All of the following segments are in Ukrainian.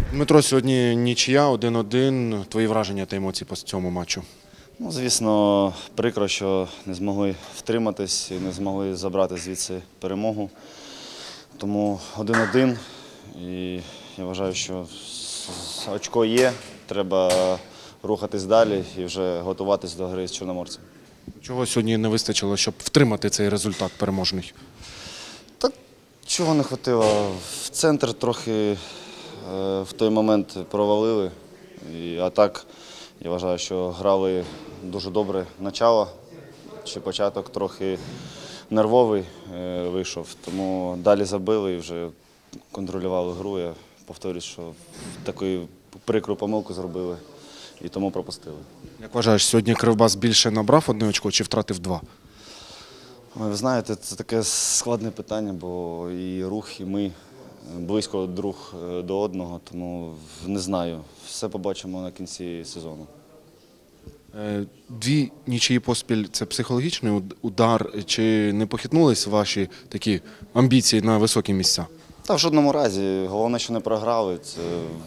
Дмитро, сьогодні нічия 1-1. Твої враження та емоції по цьому матчу? Ну, звісно, прикро, що не змогли втриматись і не змогли забрати звідси перемогу. Тому 1-1. І я вважаю, що очко є, треба рухатись далі і вже готуватись до гри з Чорноморцем. Чого сьогодні не вистачило, щоб втримати цей результат переможний? Так, чого не хватило. В центр трохи в той момент провалили. А так, я вважаю, що грали дуже добре начало, чи початок трохи нервовий вийшов, тому далі забили і вже контролювали гру. Я повторюсь, що таку прикру помилку зробили і тому пропустили. Як вважаєш, сьогодні Кривбас більше набрав 1 очко чи втратив 2? Ви знаєте, це таке складне питання, бо і рух, і ми близько друг до одного, тому не знаю. Все побачимо на кінці сезону. 2 нічиї поспіль – це психологічний удар, чи не похитнулись ваші такі амбіції на високі місця? Та в жодному разі. Головне, що не програли. Це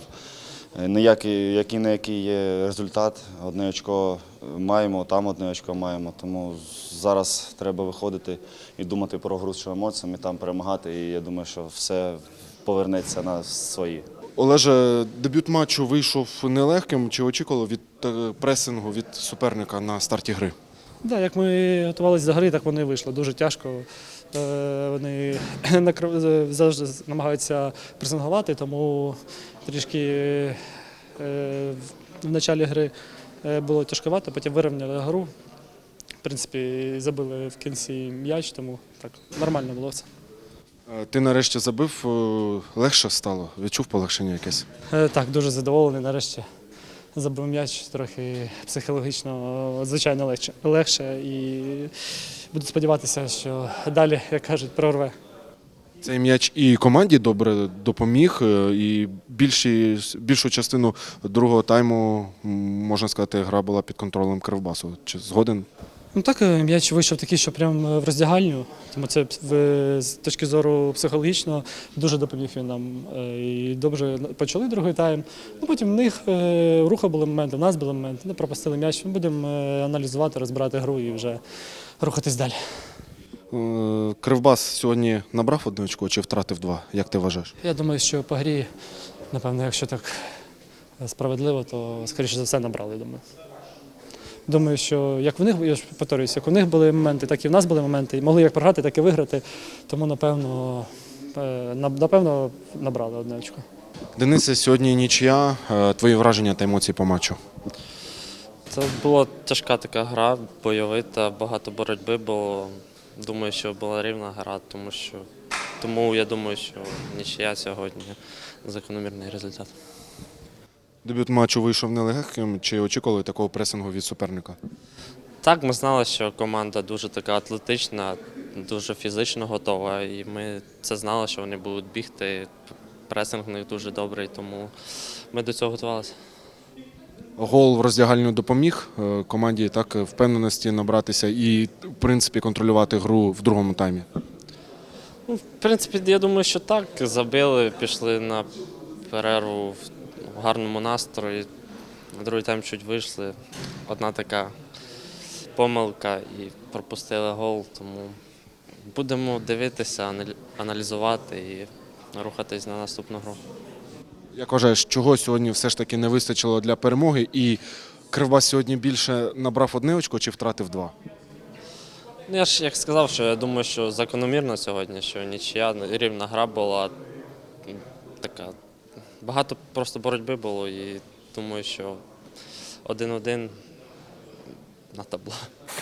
який є результат. 1 очко маємо, там 1 очко маємо. Тому зараз треба виходити і думати про гру з Чорноморцем, і там перемагати. І я думаю, що все повернеться на свої. Олеже, дебют матчу вийшов нелегким. Чи очікували від пресингу від суперника на старті гри? Так, як ми готувалися до гри, так вони вийшли. Дуже тяжко. Вони завжди намагаються пресингувати, тому трішки в початку гри було тяжковато, потім вирівняли гру. В принципі, забили в кінці м'яч, тому так нормально було все. Ти нарешті забив, легше стало? Відчув полегшення якесь? Так, дуже задоволений. Нарешті забив м'яч, трохи психологічно, звичайно, легше. І буду сподіватися, що далі, як кажуть, прорве. Цей м'яч і команді добре допоміг, і більшу частину другого тайму, можна сказати, гра була під контролем Кривбасу. Чи згоден? Ну так, м'яч вийшов такий, що прямо в роздягальню, тому це з точки зору психологічного дуже допоміг він нам. І добре почали другий тайм. Ну, потім в них руха були моменти, в нас були моменти, не пропустили м'яч. Ми будемо аналізувати, розбирати гру і вже рухатись далі. Кривбас сьогодні набрав 1 очко чи втратив 2? Як ти вважаєш? Я думаю, що по грі, напевно, якщо так справедливо, то, скоріше за все, набрали, думаю. Думаю, що як в них, я ж повторююсь, як у них були моменти, так і в нас були моменти. І могли як програти, так і виграти. Тому, напевно, набрали 1 очко. Денисе, сьогодні нічия. Твої враження та емоції по матчу? Це була тяжка така гра, бойовита, багато боротьби було. Думаю, що була рівна гра, тому я думаю, що нічия сьогодні закономірний результат. Дебют матчу вийшов нелегким. Чи очікували такого пресингу від суперника? Так, ми знали, що команда дуже така атлетична, дуже фізично готова, і ми це знали, що вони будуть бігти. Пресинг в них дуже добрий, тому ми до цього готувалися. Гол в роздягальню допоміг команді так впевненості набратися і, в принципі, контролювати гру в другому таймі? Ну, в принципі, я думаю, що так. Забили, пішли на перерву в гарному настрої. В другий тайм чуть вийшли. Одна така помилка і пропустили гол. Тому будемо дивитися, аналізувати і рухатись на наступну гру. Як вважаєш, чого сьогодні все ж таки не вистачило для перемоги? І Кривбас сьогодні більше набрав 1 очко чи втратив 2? Ну, я ж як сказав, що я думаю, що закономірно сьогодні, що нічия, рівна гра була така. Багато просто боротьби було і думаю, що 1-1 на табло.